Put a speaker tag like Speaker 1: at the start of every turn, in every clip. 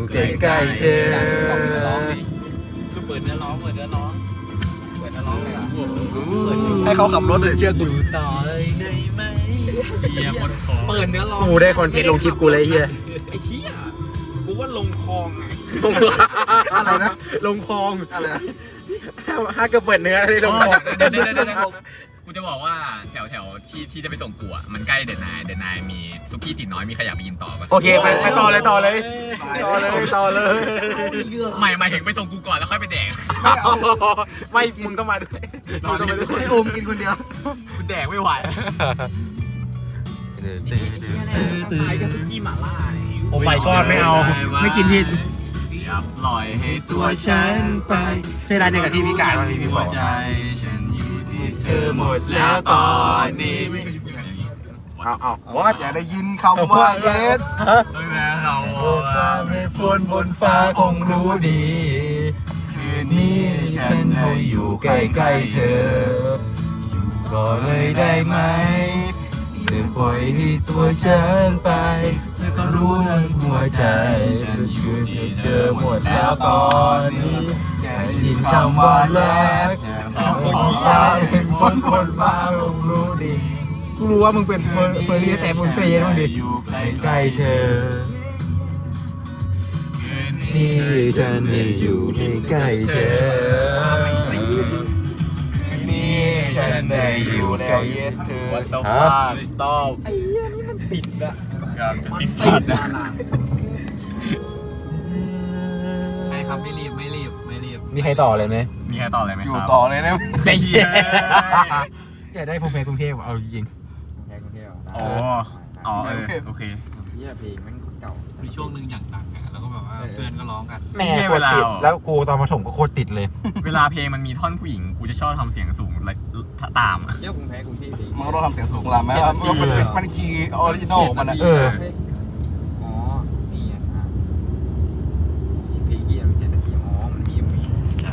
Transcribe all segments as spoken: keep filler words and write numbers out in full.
Speaker 1: ใกล้ๆเธอส่งเนื้อร้องดิ
Speaker 2: คือเปิดเนื้อร้องเปิดเนื้อร้องเปิดเนื้อร้องเลยอ่ะ
Speaker 3: ให้เขาขับรถเลยเชื่อกู
Speaker 2: ต่อเลยได้ไหมเฮียบนคอเปิดเนื้อร้อง
Speaker 1: กูได้คอนเทนต์ลงคลิปกูเลยเฮีย
Speaker 2: ไอ้เหี้ยกูว่าลงคลองไง
Speaker 3: อะไรนะ
Speaker 1: ลงคลอง
Speaker 3: อะไรนะ
Speaker 1: ห้าเกือบเปิดเนื้อเลยลงคลอง
Speaker 4: เดี๋ยวเดี๋ยวเดี๋ยวเดี๋ยวกูจะบอกว่าแถวแถวที่ที่จะไปส่งกูอ่ะมันใกล้เดนนายเดนนายมีซุกี้ติดน้อยมีใครอยากไปกินต่อปะ
Speaker 1: โอเคไปไปต่อเลยต่อเลยต่อเลยต่อเลย
Speaker 4: ไม่หมายถึงไปส่งกูก่อนแล้วค่อยไปแดก
Speaker 1: ไม่มึงต้องมาด้วยมึงต้องมาด้วย
Speaker 3: ให้โอมกินคนเดียว
Speaker 4: กูแดกไม่ไหว
Speaker 2: ขายกับซุกี้หม่าล่าเนี่ย
Speaker 1: โอ้ my god ไม่เอาไม่กินผิด
Speaker 4: อย่าปล่อยให้ตัวฉั
Speaker 3: ฉั
Speaker 4: น
Speaker 3: นไป
Speaker 1: ใช่ร้านเดียวกับที่พี่การวันนี้พี่บอก
Speaker 4: ใจฉันอยู่ที่เธอหมดแล้วตอนนี้
Speaker 1: เอาเอา
Speaker 3: ว่าจะได้ยินคำว่าเย็ด
Speaker 4: ไม่แม้เขา
Speaker 3: ความเมฆฝนบนฟ้าคงรู้ดี คืนนี้ฉันได้อยู่ใกล้ๆเธอ อยู่ก็เลยได้ไหมเธอปล่อยให้ตัวฉันไป เธอก็รู้ทั้งหัวใจฉันอยู่ที่เธอหมดแล้วตอนนี้แค่ยินคำว่ารักฟ้าเป็นฝนบนฟ้าคงรู้ดี
Speaker 1: กูรู้ว่ามึงเป็นเฟอร์เฟอร์รี่แต่มึงเฟย์ยังดิ
Speaker 3: อยู่ใกล้ๆเธอ นี่ฉันได้อยู่ใกล้ๆเธอ นี่ฉันได้อยู่ใกล้เธอ
Speaker 4: วันต่อ
Speaker 3: ฮะ
Speaker 4: ฟาสต็อป
Speaker 2: ไอ้เหี้ยนี่มันติดอะ
Speaker 4: ครับจะติด
Speaker 2: ติ
Speaker 4: สั
Speaker 2: ด
Speaker 4: ตว์นะ
Speaker 2: อะไม่ครับไม่รีบไม่รีบไม่รีบ
Speaker 1: มีใครต่อเลยไหม
Speaker 4: มีใครต่ออะไรไหม
Speaker 3: อ
Speaker 4: ค
Speaker 3: ยู่
Speaker 4: รับ
Speaker 3: ต่อเลยนะ
Speaker 1: ใจเย็นอยากได้ภูมิแพ้กรุงเทพเอาจริง
Speaker 2: แค่กรุงเทพ
Speaker 4: อ๋ออ๋อเออโอเค
Speaker 2: เหี้ยเพลงแม่งคนเก่ามีช่วงหนึ่งอย่างดังอะแล้วก็แบบว่าเพื่อนก็ร้องกัน
Speaker 1: แม่โคตรติดแล้วกูตอนมาถมก็โคตรติดเลย
Speaker 4: เวลาเพลงมันมีท่อนผู้หญิงกูจะชอบทำเสียงสูงและตามอะ
Speaker 2: เที่ยวกรุงเทพกรุงเทพเพลง
Speaker 3: มันก็ต้องทำเสียงสูงลำไหมครับมันเป็นมันคีย์ออริจินอลของมันอะ
Speaker 1: เออ
Speaker 2: อ๋อนี่อ่ะเพลงเหี้ยมันเจ็ดนาทีอ๋อมันมีมี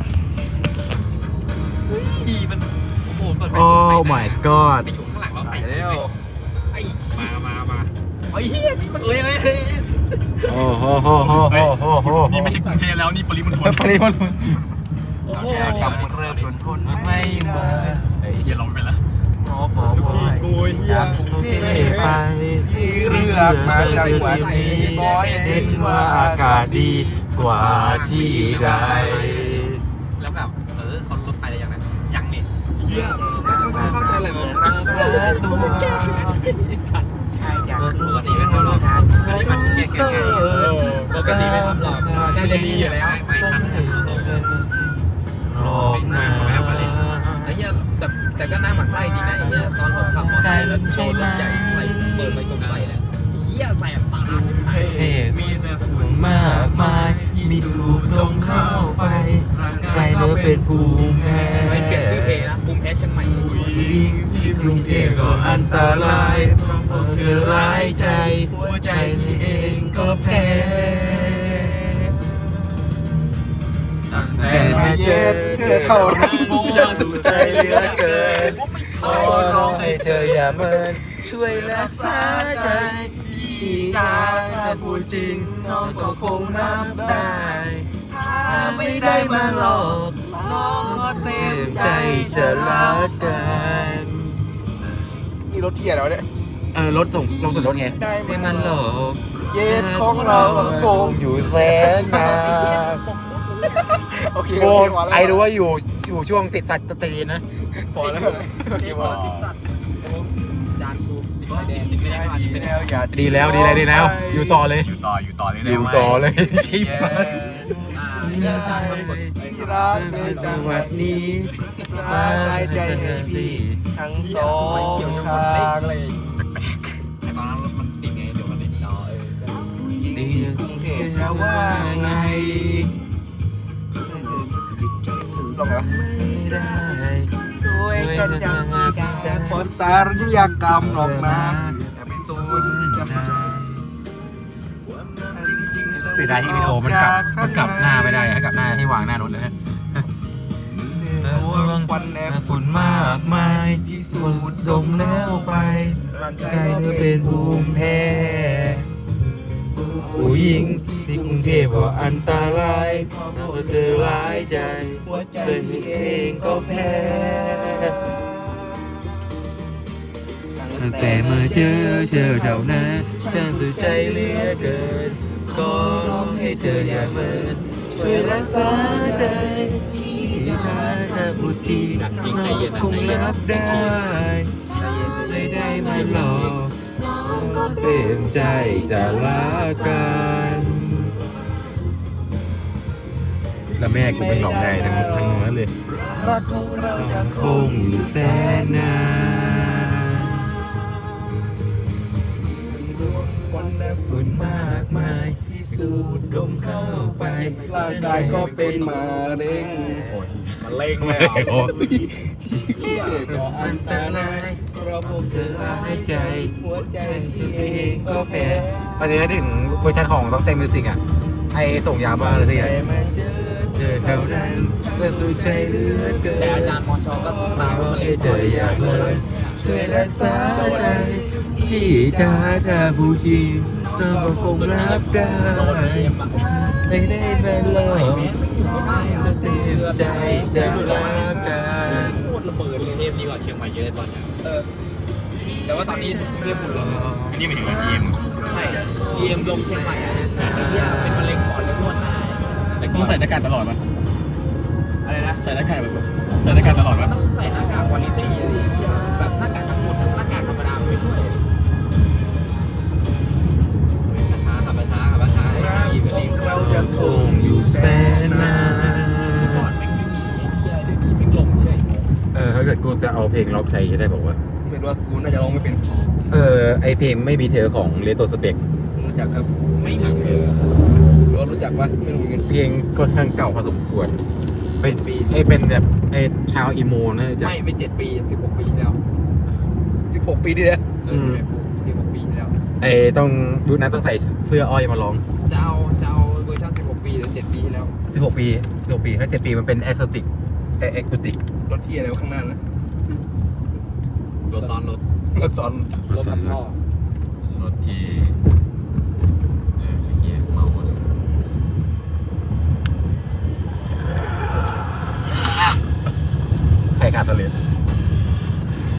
Speaker 2: เฮ้ยมันโอ้โหเปิดไป
Speaker 1: โอ้ my god
Speaker 2: ไปอยู่ข้างหลังเรา
Speaker 3: ใส่
Speaker 2: ใส่
Speaker 3: แล้ว
Speaker 2: ไอ้มามามาไอ้เหี้ยนี่มันเอ้ยเอ้ยเอ้ย
Speaker 1: โอ้โหโหโหโหโหโห
Speaker 4: นี่ไม่ใช่กรุงเทพแล้วนี่ปริมณฑล
Speaker 1: ปริมณฑล
Speaker 2: โอ้โห
Speaker 3: กำเริ่มจนทนไม่มา
Speaker 4: เฮ้ยอย่าลงไปละ
Speaker 3: ขอบอกว่าอยากกรุงเทพไปที่เลือกมาจังหวัดนี้บอยเห็นว่าอากาศดีกว่าที่ใด
Speaker 2: แล้วแบบเออเขาลดไปได้ยังไงยังนี่เหี้ยเข้าใจอะไรมั้ง
Speaker 3: รักษาตัว
Speaker 2: ไอ้สัตว์
Speaker 3: ใช่อยาก
Speaker 2: ปกติไม่ทำหรอกปกติมันแก่แก่แก่ปกติไม่ทำหรอกน่าจะดีอยู่แล้วไม่ทัน
Speaker 3: หลอกมา
Speaker 2: ไอ้เหี้ยแต่แต่ก็น่าหมั่นไส้ดีนะไอ้เหี้ยตอนผมขับมอเตอร์ไซค์แล้วโชว์รถใหญ่ใส่เปิดไปตรงใส่เนี่ยไอ้เหี้ยใส่ตาใช่ไหม
Speaker 3: มีแต่ฝุ่นมากมาย มีถูกลงเข้าไปใครก็เป็นภูมิแพ้
Speaker 2: ไม่เปลี่ยนชื่อเพลงนะภูมิแพ้เชียงใหม่
Speaker 3: ยิ่งที่กรุงเทพก็อันตรายเพราะเธอร้ายใจ หัวใจนี่เองก็แพ้แต่มาเย็ดเธอเข้ารักยังถูกใจเหลือเกินขอร้องให้เธออย่าเมินช่วยรักษาใจพี่จ้าถ้าพูดจริงน้องก็คงรับได้ถ้าไม่ได้มาหลอกน้องก็เต็มใจจะรักกันนี่รถเที่ยวแล้วเนี่ย
Speaker 1: เออรถส่งลงส่วนรถไง
Speaker 3: ได้มันหลอกเย็ดของเราคงอยู่แสนนานโอเค
Speaker 1: โอ้
Speaker 3: พอแล้ว
Speaker 1: ไอรู้ว่าอยู่อยู่ช่วงติดสัตว์ตีนนะ
Speaker 3: พอแล้วโอเคพอแล้ว
Speaker 2: จานกูติดไฟแดงติดไม่ได้ก็อาจ
Speaker 3: ดี
Speaker 2: จะเป็น
Speaker 3: แล้วอย่า
Speaker 1: ดีแล้วดีแล้วดีแล้ว อยู่ต่อเลย
Speaker 4: อยู่ต่ออยู่ต่อเลย
Speaker 1: อ
Speaker 4: ได้
Speaker 1: ยู่
Speaker 4: ไหม
Speaker 1: ต่อเลยไอ้สัส
Speaker 2: อ่า
Speaker 3: อย่า
Speaker 2: จานมันกด
Speaker 3: ที่รักในจังหวัดนี้สบายใจให้พี่ทั้งสอ
Speaker 2: ไฟ
Speaker 3: ง
Speaker 2: เขียวยัง
Speaker 3: ท
Speaker 2: กดเล็
Speaker 3: าก ง
Speaker 2: เลย
Speaker 4: ไอ้ตอนนั้นรถมัน
Speaker 2: ติดไงเดี๋ยวมันไม่ดีอ๋อเออ
Speaker 3: ยิ่งกรุงเทพจะว่าไงลงเหรอไม่ได้สวยกันยังกันแต่ปอสารยกรรมหรอกนะแต่ไม่สูญกันจริงๆ
Speaker 1: เสียดายที่วิดีโอมันกลับมันกลับหน้าไม่ได้ให้กลับหน้าให้วางหน้ารถเลยนะ
Speaker 3: ตัวควันแอบฝุ่นมากมายพิสูจน์ดมแล้วไปร่างกายเธอเป็นภูมิแพ้ผู้หญิงที่ที่กรุงเทพว่าอันตรายเพราะเธอร้ายใจหัวใจเองก็แพ้ตั้งแต่มาเจอเธอเท่านั้นฉันสุดใจเหลือเกินขอร้องให้เธออย่าเมินช่วยรักษาใจที่ถ้าเธอพูดจริงน้องคงรับได้ไม่ได้มาหลอกน้องก็เต็มใจจะรักกันแล้วแม่กูเป็นหลอกไงทั้งทั้งนั้นเลยรักของเราจะคงอยู่แสนนานวันและฝุ่นมากมายที่สูดดมเข้าไปร่างกายก็เป็นมะเร็ง
Speaker 2: มันเล่งเลย
Speaker 3: โอ้ก็อันตรายเพราะพวกเธอร้ายใจหัวใจที่เองก็แพ้
Speaker 1: ประเด็นถึงเวอร์ชันของต้องเต็มมิวสิกอ่ะไอส่งยาบ้าเลยที่ไง
Speaker 3: แต่มาเจอเธอเท่านั้นก็สุดใจเหลือเกิน
Speaker 2: แต่อาจารย์มอชอก็ตามมาเล่น
Speaker 3: เธออย่าเมินช่วยรักษาใจที่ถ้าเธอผู้ชิงน้องก็คงรับได้
Speaker 2: โดนเอ็มอ่ะ
Speaker 3: ไม่ได้เป็นหลอก
Speaker 2: ไอ้แม่งไม่อยู่ไม่ได้อ่ะ
Speaker 3: จะเต็มใจจะรักกัน
Speaker 2: โคตรระเบิดเลยเทพดีกว่าเชียงใหม่เยอะตอนเนี้ยเออแต่ว่าตอนนี้เรียบหมดแล้ว
Speaker 4: อันนี้หมายถึงว่าทีม
Speaker 2: ใช่ดีเอ็มลงเชียงใหม่อ่ะไอ้เหี้ยเป็นมะเร็งปอดเลยนวดหน้า
Speaker 3: แต่กูใส่หน้ากากตลอดมั้ย
Speaker 2: อะไรนะ
Speaker 3: ใส่หน้ากากแบบใส่หน้ากากตลอดมั้ย
Speaker 2: ต้องใส่หน้ากากควอลิตี้อะไรอย่างเงี้ยแบบหน้ากากทั้งหมดหน้ากากธรรมดาไม่ช่วยช้าขับไปช้าขับไปช้า
Speaker 3: รัก
Speaker 2: ดีไป
Speaker 3: ขอ
Speaker 2: ดี
Speaker 3: งเราจะคงอยู่แสนนาน
Speaker 2: ก่อนแม่งไม่มีไอ้เหี้ยเดี๋ยวนี้แม่งลงเฉย
Speaker 1: เออถ้าเกิดกูจะเอาเพลงล็อกใช้จะได้บอกว่า
Speaker 3: ไม่รู้ว่ากูน่าจะร้องไม่เป็น
Speaker 1: เออไอเพลงไม่มีเธอของเลโตสเปก
Speaker 3: รู้จักครับ
Speaker 2: ไม่มีเลย
Speaker 3: รู้ว่ารู้จักปะไม่รู้เหมือนกัน
Speaker 1: เพลงค่อนข้างเก่าพอสมควรเป็นไอเป็นแบบไอชาวอีโมนะจ๊ะ
Speaker 2: ไม่ไม่เจ็ดปีสิบหกปีที่แล้ว
Speaker 3: สิบหกปีที่แล้ว
Speaker 2: เออสิบเอ็ดปีสิบหกปีที่แล้ว
Speaker 1: ไอต้องดูนะต้องใส่เสื้ออ้อยมาร้อง
Speaker 2: จะเอาจะเอาเวอร์ชันสิบหกปีหรือเจ็ดปีที่แล้ว
Speaker 1: สิบหกปีสิบหกปีถ้าเจ็ดปีมันเป็นแอคโซติกไอแอคโซติก
Speaker 3: รถที่อะไรวะข้างหน้านะ
Speaker 2: รถซ้อนรถ
Speaker 3: รถซ้อน
Speaker 2: รถกับพ่อ
Speaker 4: รถที่